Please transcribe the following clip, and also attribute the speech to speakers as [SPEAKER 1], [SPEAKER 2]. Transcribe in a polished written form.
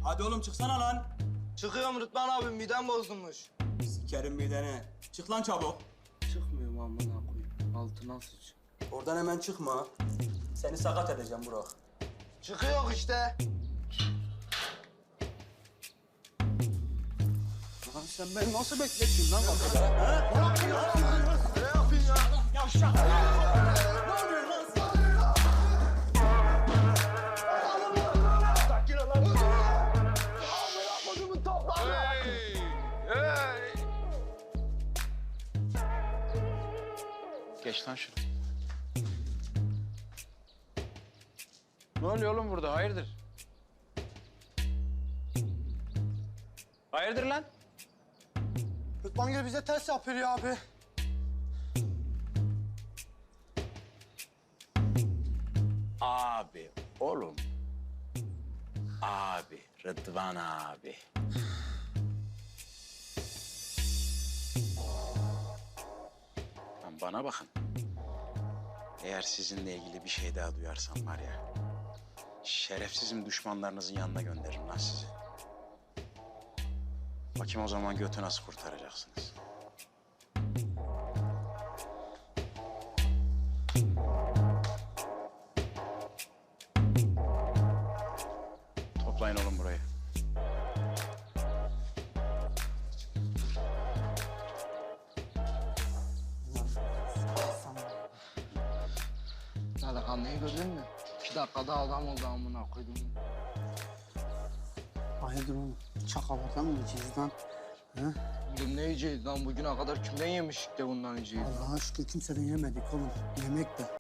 [SPEAKER 1] Hadi oğlum çıksana lan.
[SPEAKER 2] Çıkıyorum Rıdvan abi, midem bozulmuş.
[SPEAKER 1] Sikerim midene. Çık lan çabuk.
[SPEAKER 2] Çıkmıyorum amına koyayım. Altına sıç.
[SPEAKER 1] Oradan hemen çıkma. Seni sakat edeceğim Burak.
[SPEAKER 2] Çıkıyor işte.
[SPEAKER 1] Lan sen beni nasıl beklettin lan kapıda? Ha?
[SPEAKER 2] Ne yapayım ya?
[SPEAKER 1] Yavşak! Ne oluyor lan sen?
[SPEAKER 2] Sakin ol lan. Amına kodumun topları.
[SPEAKER 3] Geç lan şunu. Ne oluyor oğlum burada? Hayırdır? Hayırdır lan?
[SPEAKER 2] Rıdvan Gül bize ters yapıyor ya abi.
[SPEAKER 3] Abi, oğlum. Abi, Rıdvan abi. Lan bana bakın. Eğer sizinle ilgili bir şey daha duyarsam var ya... ...şerefsizim düşmanlarınızın yanına gönderirim lan sizi. Bakayım o zaman götü nasıl kurtaracaksınız. Toplayın oğlum burayı.
[SPEAKER 2] Delikanlıyı gördün mü? 2 dakikada adam oldu amına koydum.
[SPEAKER 4] Hayırdır oğlum? Çakalardan mı yiyeceğiz lan? Ha?
[SPEAKER 2] Oğlum ne yiyeceğiz lan? Bugüne kadar kimden yemiştik de bundan yiyeceğiz?
[SPEAKER 4] Allah'a şükür kimseden yemedik oğlum. Yemek de.